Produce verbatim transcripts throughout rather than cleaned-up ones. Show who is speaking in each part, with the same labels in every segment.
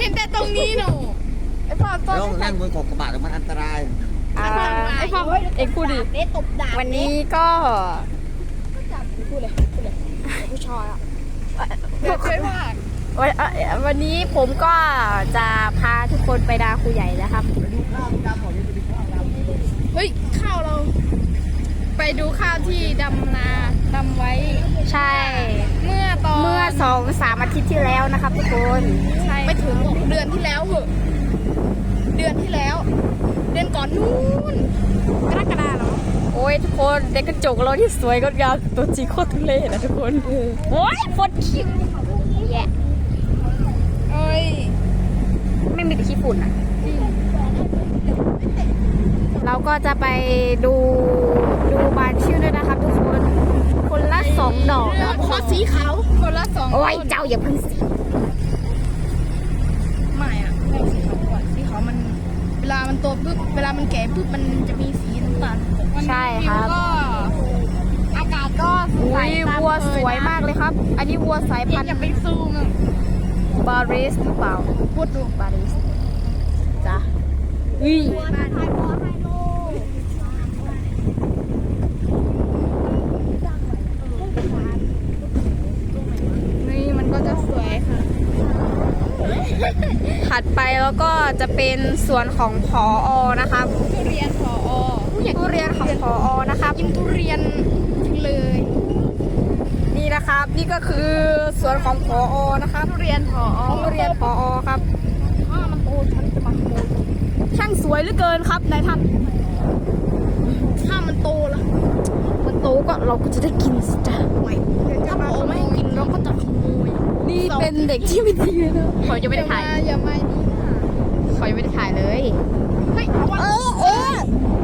Speaker 1: ห็นแต่ตรงนี้หนูไอ้พ่อต้น
Speaker 2: แล้วนั่งบนขอบกระบะมันอันตราย
Speaker 3: อ่า
Speaker 1: ไอ้พ่อเอ็กพูดดิ
Speaker 4: เด็ตบดาบ
Speaker 3: วันนี้ก็
Speaker 4: พูดเลยพูดเลยผู้ชายอ่ะ
Speaker 1: เดี๋ยวช่วยว่า
Speaker 3: วันเอ่อวันนี้ผมก็จะพาทุกคนไปดาครูใหญ่นะครับ
Speaker 1: เฮ้ยข้าวเรา ไปดูข้าวที่ดำนาดำไว้
Speaker 3: ใช่
Speaker 1: เมื่อตอน
Speaker 3: เมื่อสองสามอาทิตย์ที่แล้วนะครับทุกคน
Speaker 1: ใช่ไม่ถึงเดือนที่แล้วเหอะเดือนที่แล้ว เดือนก่อนนู้นกรกฎาเหรอ
Speaker 3: โอ้ยทุกคนเด็กกระจกเราที่สวยงดงามตัวจริงโคตรทุเรศนะทุกคนโอ้ยฟดคิ้วแย่
Speaker 1: เอ้ย
Speaker 3: ไม่มีแต่ขี้ฝุ่นอ่ะ เราก็จะไปดูดูบานชื่อด้วยนะครับทุกคนคนละสองดอกนะครับ
Speaker 1: พอสีขาวคนละสอง
Speaker 3: โอ้ยเจ้าอย่าเพิ่งสิ
Speaker 1: ไม่อะไม่สีขาวก่อนสีขาวมัน เวลามันโตปุ๊บเวลามันแก่ปุ๊บมันจะมีสีน้ำตาลวันนี้
Speaker 3: ใช่ครับ
Speaker 1: วิวก็อากาศก็ส
Speaker 3: อุ้
Speaker 1: ด
Speaker 3: ย
Speaker 1: ตาม
Speaker 3: วัว
Speaker 1: เค
Speaker 3: สวย
Speaker 1: นะ
Speaker 3: มากเลยครับ อันนี้วัวสายพันธุ์
Speaker 1: อย่าไปซูมอะ
Speaker 3: บาริสหรือเปล่า
Speaker 1: พูดดู
Speaker 3: บาริสจ้ะอุ้ย
Speaker 4: มาไทยพอไฮโล
Speaker 3: นี่มันก็จะสวยค่ะ ถัดไปแล้วก็จะเป็นส่วนของผออนะครับ
Speaker 1: ทุเรียนพออ
Speaker 3: ทุเรียนของผออนะครับ
Speaker 1: กินทุเรียนเลย
Speaker 3: นี่นะครับ นี่ก็คือส่วนของผออนะครับ
Speaker 1: ทุเรียนพออ
Speaker 3: ทุเรียนผออครับ
Speaker 1: ถ้ามันโตฉันจะมาขโมย
Speaker 3: ช่างสวยเหลือเกินครับนายท่าน
Speaker 1: ถ้ามันโตละ
Speaker 3: มันโตก็เราก็จะได้กินสิจ้ะ
Speaker 1: ไม่ถ้าพออไม่ให้กินเราก็จะขโมย
Speaker 3: นี่เป็นเด็กที่ไม่ดีเลยนะขอจะไม่ได้ถ่าย
Speaker 1: อย่ามาดีนะ
Speaker 3: ขอยังไม่ได้ถ่ายเลย
Speaker 1: เฮ้ยเอาวะ
Speaker 3: เออเออ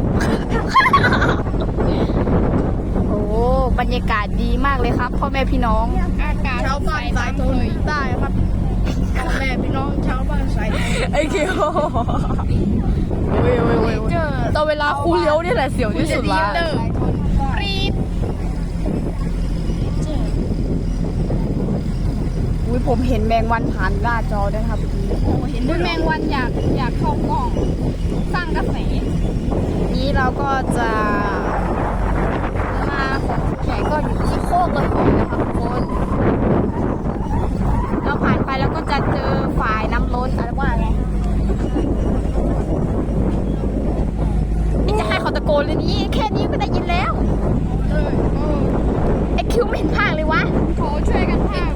Speaker 3: โอ้บรรยากาศดีมากเลยครับพ่อแม่พี่น้อง
Speaker 1: อากาศชาวบ้านสายทนใต้ครับพ่อแม่พี่น้องชาวบ้านสายทน
Speaker 3: ไอ้เคียวเว้ยเว้ยเว้ย
Speaker 1: เจอ
Speaker 3: ตอนเวลาครูเลี้ยวนี่แหละเสียวที่สุดละ
Speaker 1: เดอร์รีด
Speaker 3: อุ้ยผมเห็นแมงวันผ่านหน้าจอด้วยครับเมื่อกี้
Speaker 1: โอ้เห็นด้วยแมงวันอยากอยากเข้ากล้อง สร้างกระแส
Speaker 3: นี้เราก็จะมาของแขกก็อยู่ที่โคกกระโปงนะคะทุกคนเราผ่านไปแล้วก็จะเจอฝ่ายน้ำล้นอะไรว่าไงนี่จะให้เขาตะโกนเลยนี่แค่นี้ก็ได้ยินแล้ว
Speaker 1: เออเออ
Speaker 3: ไอคิวไม่เห็นภาคเลยวะ
Speaker 1: ขอช่วยกันภาค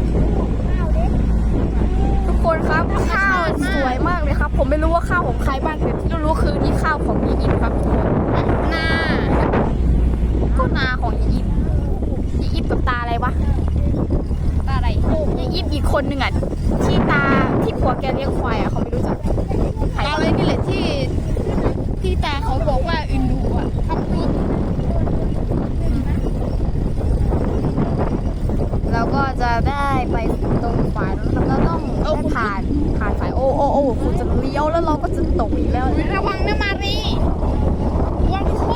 Speaker 3: ทุกคนครับข้าวสวยมากเลยครับ ผมไม่รู้ว่าข้าวของใครบ้างแต่ที่รู้คือนี่ข้าวของยีอิมครับทุกคน
Speaker 1: หน้า
Speaker 3: ก็นาของยีอิมยีอิมกับตาอะไรวะ
Speaker 1: ตาอะไร
Speaker 3: ยีอิมอีกคนหนึ่งอ่ะที่ตาที่ผัวแกเลี้ยงควายอ่ะเขาไม่รู้จักใคร
Speaker 1: ตาอะไรนี่แหละที่ที่ตาเขาบอกว่าอินดูอ่ะครับพูด
Speaker 3: เราก็จะได้ไปตรงฝ่ายแล้วนะครับเราต้องได้ผ่านผ่านฝ่ายโอ้โอ้โอ้คุณจะเลี้ยวแล้วเราก็จะตกอีกแล้ว
Speaker 1: ระวังนะมารีระวังคุด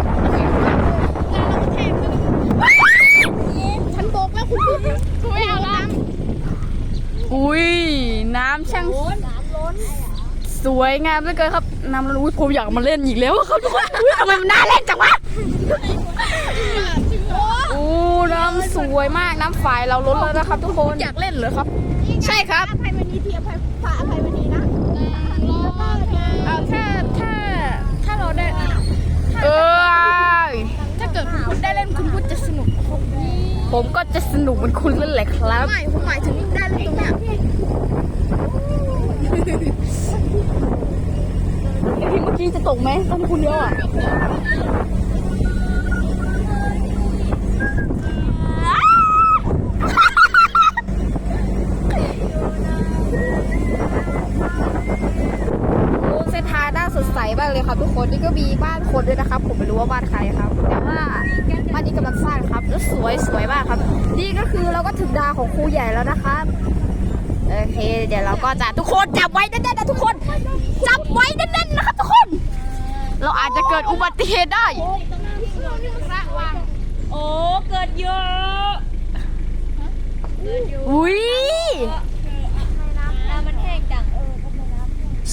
Speaker 1: ฉันบอกแล้วคุณพูดไม่เอาละ
Speaker 3: อุ้ยน้ำช่าง
Speaker 4: น้ำล้น
Speaker 3: สวยงามเหลือเกินครับน้ำรู้ผมอยากมาเล่นอีกแล้วครับทุกคนอุ๊ยทำไมมันน่าเล่นจังวะโอ้น้ำสวยมากน้ำฝายเราล้นแล้วนะครับทุกคน
Speaker 1: อยากเล่นเหรอครับ
Speaker 3: ใช่ครับ
Speaker 4: อภัยมณีที่อภัยพระอภัยมณีนะ
Speaker 1: เอาถ้าถ้าถ้าเราได้
Speaker 3: เออ
Speaker 1: ถ้าเกิดคุณพุทธได้เล่นคุณพุทธจะสนุกครับ
Speaker 3: ผมก็จะสนุกเหมือนคุณนั่นแหละครับ
Speaker 1: ไม่ผมหมายถึงได้เล่นตรงเนี้ย
Speaker 3: พี่เมื่อกี้จะตกไหมตอนคุณเลี้ยวอ่ะโอ้เส้นทางน่าสดใสมากเลยครับทุกคนนี่ก็มีบ้านคนด้วยนะครับ ผมไม่รู้ว่าบ้านใครครับ แต่ว่าบ้านนี้กำลังสร้างครับแล้วสวยสวยมากครับ นี่ก็คือเราก็ถึงดาวของครูใหญ่แล้วนะครับโอเคเดี๋ยวเราก็จะทุกคนจับไว้แน่นๆนะทุกคนจับไว้แน่นๆนะครับทุกคน เราอาจจะเกิดอุบัติเหตุได้
Speaker 1: โอ้เกิดเยอะ
Speaker 3: อุ้ย
Speaker 4: น้ำมันแห้งจัง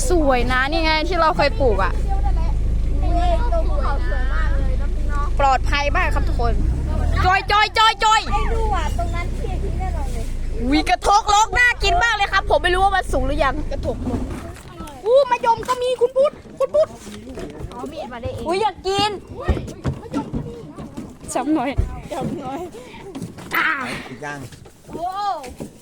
Speaker 3: สวยนะนี่ไงที่เราเคยปลูกอ่ะ
Speaker 4: ตรงภูเขาสวยมากเลยนะพี่น้อง
Speaker 3: ปลอดภัยมากครับทุกคน จอยจอยจอยจอย
Speaker 4: ไอ้ดูอ่ะตรงนั้นเที่ยงที่แน่นอนเลย
Speaker 3: วีกระทกลกน่ากินมากเลยครับ ผมไม่รู้ว่ามันสูงหรือยังกระทกลกอู้มะยมก็มีคุณพุทธคุณพุทธ
Speaker 4: เอามีดมาได้เอง
Speaker 3: อุ้ยอยากกินจับหน่อยจับหน่อยอ่า
Speaker 2: อีกอย่าง
Speaker 4: โอ้